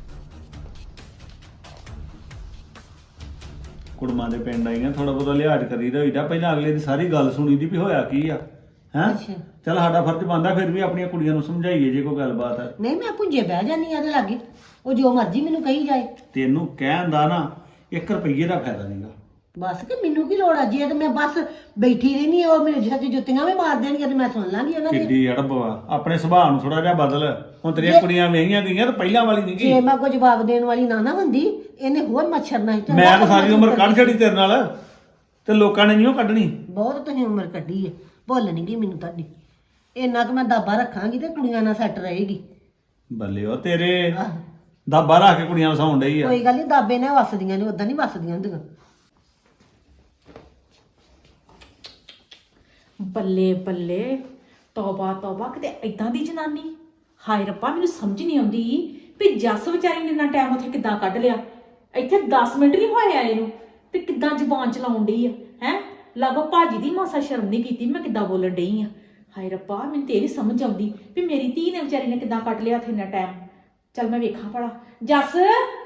Speaker 2: ਕੁੜਮਾਂ ਦੇ ਪਿੰਡ ਆਈਆਂ, ਥੋੜਾ ਬਹੁਤਾ ਲਿਹਾਜ਼ ਕਰੀਦਾ ਹੋਈਦਾ, ਪਹਿਲਾਂ ਅਗਲੇ ਦੀ ਸਾਰੀ ਗੱਲ ਸੁਣੀ ਦੀ ਵੀ ਹੋਇਆ ਕੀ ਆ ਹੈਂ।
Speaker 1: ਅੱਛਾ।
Speaker 2: ਚੱਲ ਸਾਡਾ ਫਰਜ਼ ਬਣਦਾ ਫਿਰ ਵੀ ਆਪਣੀਆਂ ਕੁੜੀਆਂ ਨੂੰ ਸਮਝਾਈਏ ਜੇ ਕੋਈ ਗੱਲਬਾਤ ਹੈ।
Speaker 1: ਨਹੀਂ ਮੈਂ ਪੁੰਜੇ ਬਹਿ ਜਾਨੀ ਆ ਉਹਦੇ ਲਾਗੇ, ਉਹ ਜੋ ਮਰਜ਼ੀ ਮੈਨੂੰ ਕਹੀ ਜਾਏ।
Speaker 2: ਤੈਨੂੰ ਕਹਿਣ ਦਾ ਨਾ 1 ਰੁਪਈਏ ਦਾ ਫਾਇਦਾ ਨਹੀਂਗਾ।
Speaker 1: ਬਸ ਕਿ ਮੈਨੂੰ ਕੀ ਲੋੜ ਆ, ਜੇ ਤੇ ਮੈਂ ਬਸ ਬੈਠੀ ਰਹਿਨੀ ਆ, ਉਹ ਮੇਰੇ ਸੱਚ ਜੁੱਤੀਆਂ ਵੀ ਮਾਰ ਦੇਣਗੇ ਤੇ ਮੈਂ ਸੁਣ ਲਾਂਗੀ ਉਹਨਾਂ ਦੀ।
Speaker 2: ਕਿੱਡੀ ਅੜਬ ਵਾ, ਆਪਣੇ ਸੁਭਾਅ ਨੂੰ ਥੋੜਾ ਜਿਹਾ ਬਦਲ। ਹੁਣ ਤੇਰੀਆਂ ਕੁੜੀਆਂ ਵਿਆਹੀਆਂ ਗਈਆਂ ਤੇ ਪਹਿਲਾਂ ਵਾਲੀ ਨਹੀਂ
Speaker 1: ਜੇ
Speaker 2: ਗਈ।
Speaker 1: ਮੈਂ ਕੋਈ ਜਵਾਬ ਦੇਣ ਵਾਲੀ ਨਾ ਹੁੰਦੀ, ਇਹਨੇ ਹੋਰ ਮੱਛਰਨਾ ਸੀ।
Speaker 2: ਮੈਂ ਤਾਂ ਸਾਰੀ ਉਮਰ ਕੱਢ ਛੜੀ ਤੇਰੇ ਨਾਲ, ਤੇ ਲੋਕਾਂ ਨੇ ਨਹੀਂ ਉਹ ਕੱਢਣੀ।
Speaker 1: ਬਹੁਤ ਤੁਸੀਂ ਉਮਰ ਕੱਢੀ ਹੈ, ਭੁੱਲ ਨਹੀਂ ਗਈ ਮੈਨੂੰ ਤੁਹਾਡੀ। ਇੰਨਾ ਕੁ ਮੈਂ ਦਾਬਾ ਰੱਖਾਂਗੀ ਤੇ ਕੁੜੀਆਂ ਨਾਲ ਸੈੱਟ ਰਹੇਗੀ।
Speaker 2: ਬੱਲੇ ਉਹ ਤੇਰੇ
Speaker 1: ਆਹ,
Speaker 2: ਦਾਬਾ ਰੱਖ ਕੇ ਕੁੜੀਆਂ ਵਸਾਉਣ ਡਈ ਆ।
Speaker 1: ਕੋਈ ਗੱਲ ਨਹੀਂ, ਦਾਬੇ ਨਾਲ ਵਸਦੀਆਂ ਨੇ, ਉਦਾਂ ਨਹੀਂ ਵਸਦੀਆਂ ਹੁੰਦੀਆਂ।
Speaker 3: ਬੱਲੇ ਬੱਲੇ, ਤੌਬਾ ਤੌਬਾ, ਕਿਤੇ ਏਦਾਂ ਦੀ ਜਨਾਨੀ। ਹਾਏ ਰੱਬਾ, ਮੈਨੂੰ ਸਮਝ ਨਹੀਂ ਆਉਂਦੀ ਵੀ ਜੱਸ ਵਿਚਾਰੀ ਨੇ ਇੰਨਾ ਟਾਈਮ ਉੱਥੇ ਕਿੱਦਾਂ ਕੱਢ ਲਿਆ। ਇੱਥੇ 10 ਮਿੰਟ ਨਹੀਂ ਹੋਏ ਆਏ ਨੂੰ ਤੇ ਕਿੱਦਾਂ ਜ਼ੁਬਾਨ ਚਲਾਉਣ ਡਈ ਆ ਹੈ। ਲੱਗੋ ਭਾਜੀ ਦੀ ਮਾਸਾ ਸ਼ਰਮ ਨਹੀਂ ਕੀਤੀ, ਮੈਂ ਕਿੱਦਾਂ ਬੋਲਣ ਡਈ ਆ। ਹਾਏ ਰੱਬਾ, ਮੈਨੂੰ ਤੇ ਇਹ ਨੀ ਸਮਝ ਆਉਂਦੀ ਵੀ ਮੇਰੀ ਧੀ ਨੇ ਵਿਚਾਰੀ ਨੇ ਕਿੱਦਾਂ ਕੱਢ ਲਿਆ ਉੱਥੇ ਇੰਨਾ ਟਾਈਮ। ਚੱਲ ਮੈਂ ਵੇਖਾਂ ਭਲਾ। ਜੱਸ